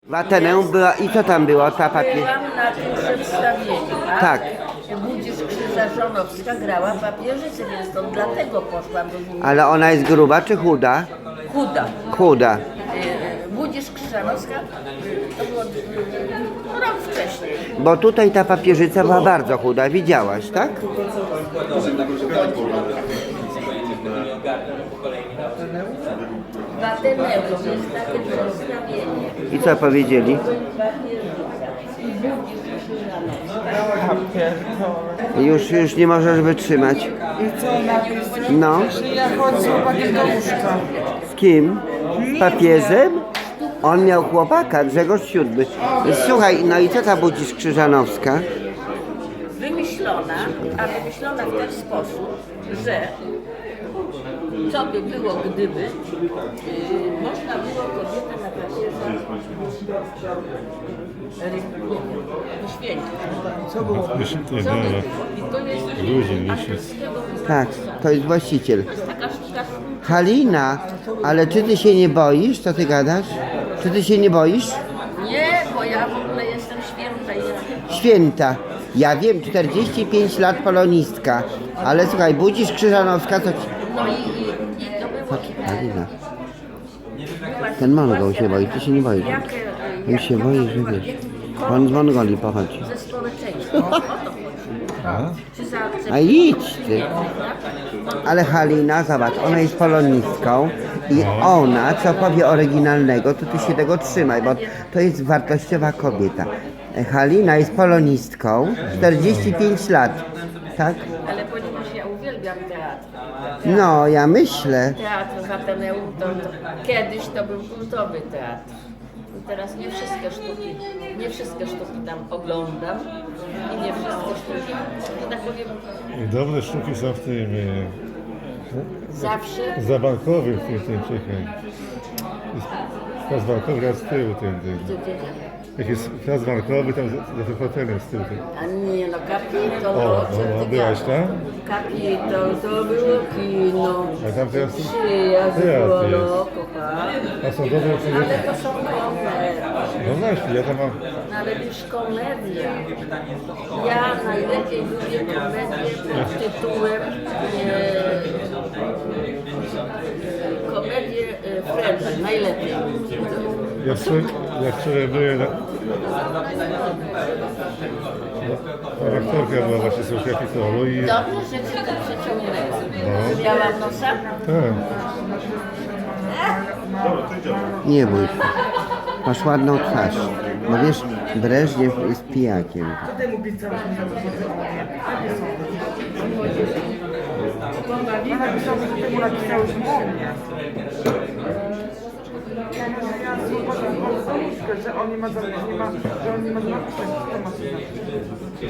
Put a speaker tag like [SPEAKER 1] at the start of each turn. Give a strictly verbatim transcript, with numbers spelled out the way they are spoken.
[SPEAKER 1] W Ateneum była i co tam było? Ta papier...
[SPEAKER 2] Byłam na tym przedstawieniu, a
[SPEAKER 1] Tak.
[SPEAKER 2] Budzisz Krzyża Żonowska grała papieżycę, więc to dlatego poszłam do niej.
[SPEAKER 1] Ale ona jest gruba czy chuda?
[SPEAKER 2] Chuda.
[SPEAKER 1] Chuda.
[SPEAKER 2] Y, Budzisz Krzyżanowska to było y, rok wcześniej.
[SPEAKER 1] Bo tutaj ta papieżyca była bardzo chuda, widziałaś, tak?
[SPEAKER 2] W Ateneum jest takie przedstawienie.
[SPEAKER 1] I co powiedzieli? Już, już nie możesz wytrzymać.
[SPEAKER 3] I co napis?
[SPEAKER 1] No.
[SPEAKER 3] Że ja chodzę z chłopakiem do łóżka.
[SPEAKER 1] Z kim? Z papieżem? On miał chłopaka, Grzegorz siódmy. Słuchaj, no i co ta Budzisz Krzyżanowska?
[SPEAKER 2] Wymyślona, a wymyślona w ten sposób, że co by było, gdyby yy, można było kobietę na papierze wyświęcić. Co było?
[SPEAKER 4] Wyświetli,
[SPEAKER 2] Co by
[SPEAKER 4] dobra.
[SPEAKER 2] było? I to jest
[SPEAKER 4] Luzin,
[SPEAKER 2] angielskiego
[SPEAKER 1] Tak, to jest właściciel.
[SPEAKER 2] To jest taka sztuka.
[SPEAKER 1] Halina, ale czy ty się nie boisz? Co ty gadasz? Czy ty się nie boisz?
[SPEAKER 2] Nie, bo ja w ogóle jestem święta. Ja...
[SPEAKER 1] Święta. Ja wiem, czterdzieści pięć lat polonistka. Ale słuchaj, Budzisz Krzyżanowska, to...
[SPEAKER 2] No i, i, i to było...
[SPEAKER 1] Patrz, Halina.
[SPEAKER 2] była
[SPEAKER 1] Ten Mongol
[SPEAKER 2] sytuacja
[SPEAKER 1] się boi, ty się nie boisz.
[SPEAKER 2] jak,
[SPEAKER 1] On się boi, że wiesz. On z Mongolii pochodzi.
[SPEAKER 2] ze społeczeństwem. O to chodzi. Czy zaakceptuje-
[SPEAKER 1] A idź ty. Ale Halina, zobacz, ona jest polonistką i ona, co powie oryginalnego, to ty się tego trzymaj, bo to jest wartościowa kobieta. Halina jest polonistką, czterdzieści pięć lat, tak?
[SPEAKER 2] Ale ponieważ ja uwielbiam teatr.
[SPEAKER 1] No, ja myślę.
[SPEAKER 2] Teatr w Ateneum to, to kiedyś to był kultowy teatr. I teraz nie wszystkie sztuki, nie wszystkie sztuki tam oglądam i nie wszystkie sztuki, że tak powiem,
[SPEAKER 4] Dobre sztuki są w tym e,
[SPEAKER 2] zawsze
[SPEAKER 4] zabankowych, w tym, tym czekaj. Plac bankowy, a z tyłu ten, ten. Jak jest plac bankowy, tam za, za tym hotelem z tyłu. Ten.
[SPEAKER 2] a nie no, Kapitol,
[SPEAKER 4] O,
[SPEAKER 2] co
[SPEAKER 4] no,
[SPEAKER 2] ty
[SPEAKER 4] byłaś
[SPEAKER 2] gadasz?
[SPEAKER 4] tam?
[SPEAKER 2] Kapitol to było kino.
[SPEAKER 4] A tam teraz
[SPEAKER 2] Przyjazd
[SPEAKER 4] teatr
[SPEAKER 2] było,
[SPEAKER 4] jest.
[SPEAKER 2] no, kocham.
[SPEAKER 4] A są dobre
[SPEAKER 2] Ale
[SPEAKER 4] opcje.
[SPEAKER 2] to są komedie.
[SPEAKER 4] No właśnie, ja tam mam...
[SPEAKER 2] No ale już komedia. Ja najlepiej lubię komedię pod tytułem e, komedię e, French, najlepiej.
[SPEAKER 4] Ja wczoraj, ja wczoraj byłem na... Ta rektorka była właśnie z Kapitolu i...
[SPEAKER 2] Dobrze, że cię to przeciągnęło.
[SPEAKER 4] No.
[SPEAKER 2] Miałam nosa?
[SPEAKER 4] Tak.
[SPEAKER 1] Nie bój się. Masz ładną twarz. No wiesz, Breżniew jest pijakiem.
[SPEAKER 3] Co temu pisałeś? Ja napisałam, że temu napisałeś o mnie. Ja z chłopakiem chodzę do łóżka, że on nie ma, za- nie ma, że on nie ma napisać, co ma się napisać.